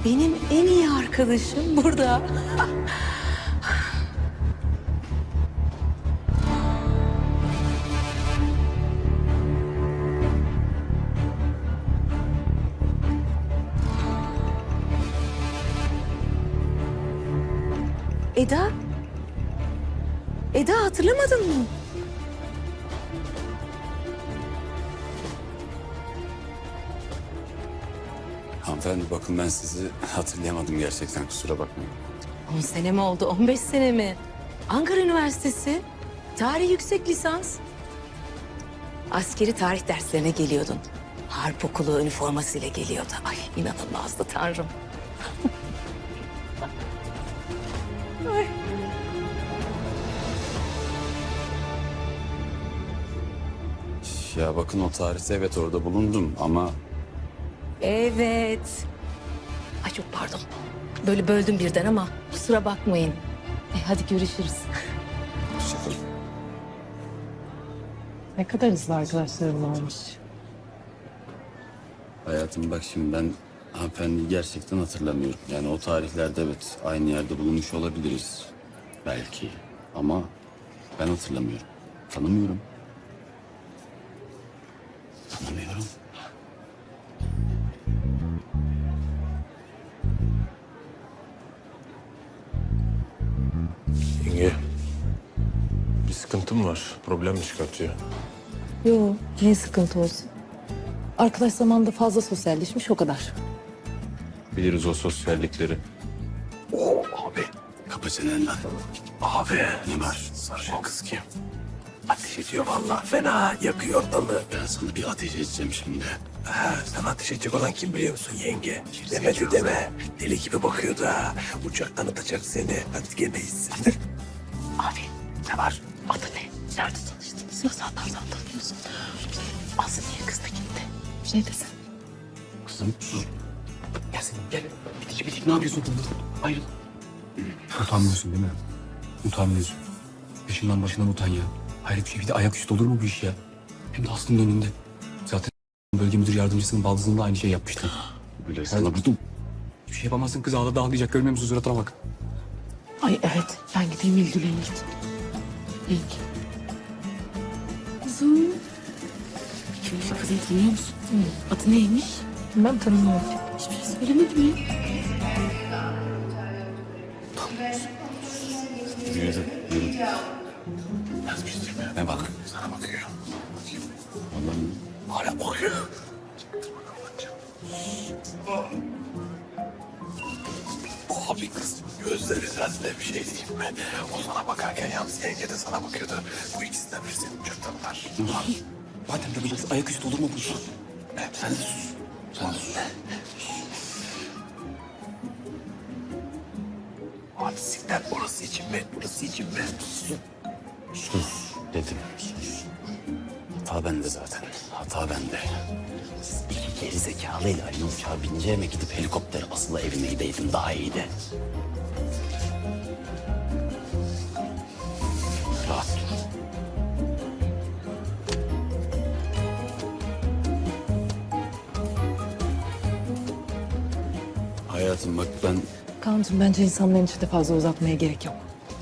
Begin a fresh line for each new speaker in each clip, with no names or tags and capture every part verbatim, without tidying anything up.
benim en iyi arkadaşım burada. Eda? Eda hatırlamadın mı?
Hanımefendi bakın ben sizi hatırlayamadım gerçekten, kusura bakmayın.
On sene mi oldu, on beş sene mi? Ankara Üniversitesi, tarih yüksek lisans. Askeri tarih derslerine geliyordun. Harp okulu üniformasıyla geliyordu. Ay inanılmazdı tanrım. Ay.
Ya bakın o tarihte evet orada bulundum ama
Evet. Ay çok pardon. Böyle böldüm birden ama kusura bakmayın. E, hadi görüşürüz.
hoşçakalın.
Ne kadar hızlı arkadaşlarım varmış.
Hayatım bak şimdi ben hanımefendiyi gerçekten hatırlamıyorum. Yani o tarihlerde evet aynı yerde bulunmuş olabiliriz belki ama ben hatırlamıyorum. Tanımıyorum. Tanımıyorum.
Yenge, bir sıkıntım var. Problem mi çıkartıyor?
Yo, niye sıkıntı olsun? Arkadaş zamanında fazla sosyalleşmiş o kadar.
Biliriz o sosyallikleri.
Abi kapa çeneni lan.
Abi,
Ne var?
sarışın kız kim? Ateş ediyor vallahi, fena yakıyor dalı.
Ben sana bir ateş edeceğim şimdi.
Ha, sen ateş edecek olan kim biliyor musun yenge? Demedi deme. Deli gibi bakıyordu ha. Uçaktan atacak seni. Hadi gemeyiz.
Abi
Ne var?
adı ne? Nerede tanıştınız? Nasıl atarsan tanıyorsun? Aslı niye kız da gitti? Bir şey desen.
Kızım sus.
Gel sen gel. Bitik bitik ne yapıyorsun kızım? Ayrıl. Utanmıyorsun değil mi? Utanmıyorsun. Peşinden başından utan ya. Hayret bir şey. Bir de ayaküstü olur mu bu iş ya? Hem de Aslı'nın önünde. Zaten bölge müdür yardımcısının baldızında aynı şey yapmıştı.
Böyle
Sana
sana
buldum. Hiçbir şey yapamazsın, kız ağladı ağlayacak, görmüyor musun suratına bak.
Ay evet, ben gideyim ilgileneyim. İlk.
Kuzum. Kimmiş kızını tanıyor musun? Adı neymiş?
Ben tanımıyorum.
Hiçbir şey söylemedi mi?
yürü, yürü.
Yazmıştır mı?
Ne bak?
Sana bakıyor.
Allah'ım.
Hala bakıyor. Abi kız gözleri sende, bir şey diyeyim mi? O sana bakarken yalnız yenge de sana bakıyordu. Bu ikisinden biri seni uçaktan atar.
Madem de biliriz, ayaküstü olur mu bu iş?
Evet, sen de sus. Sen de sus. Abi siktir, orası için mi? Burası için mi? Sus.
Sus dedim, sus. Hata bende zaten, hata bende. Siz iki geri zekalıyla aynı uçağa bineceğime gidip helikopter asılı evime gideydim daha iyiydi. Rahat dur. Hayatım bak ben
Kaan'cığım bence insanların içinde fazla uzatmaya gerek yok.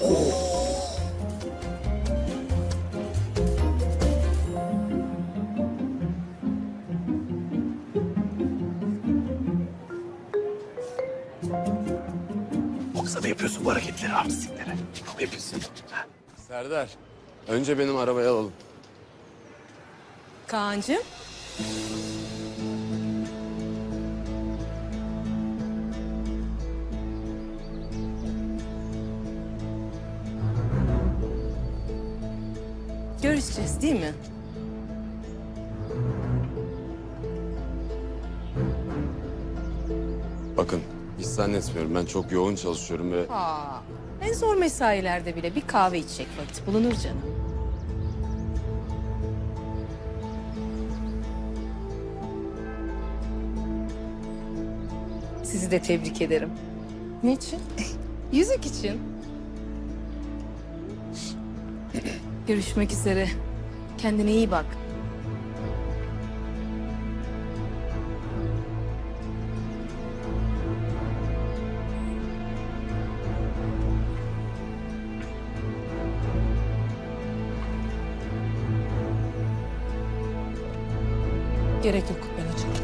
Yoksa da yapıyorsun bu hareketleri, artistlikleri. Ne yapıyorsun? Ha?
Serdar, önce benim arabayı alalım.
Kaan'cığım. Görüşeceğiz değil mi?
Bakın, hiç zannetmiyorum. Ben çok yoğun çalışıyorum ve...
Aa, en zor mesailerde bile bir kahve içecek vakit bulunur canım. Sizi de tebrik ederim.
Niçin?
Yüzük için. Görüşmek üzere. Kendine iyi bak.
Gerek yok, ben açarım.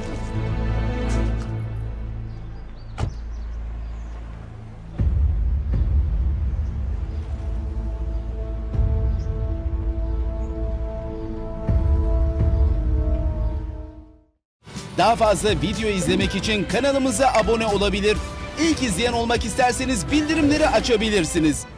Daha fazla video izlemek için kanalımıza abone olabilir. İlk izleyen olmak isterseniz bildirimleri açabilirsiniz.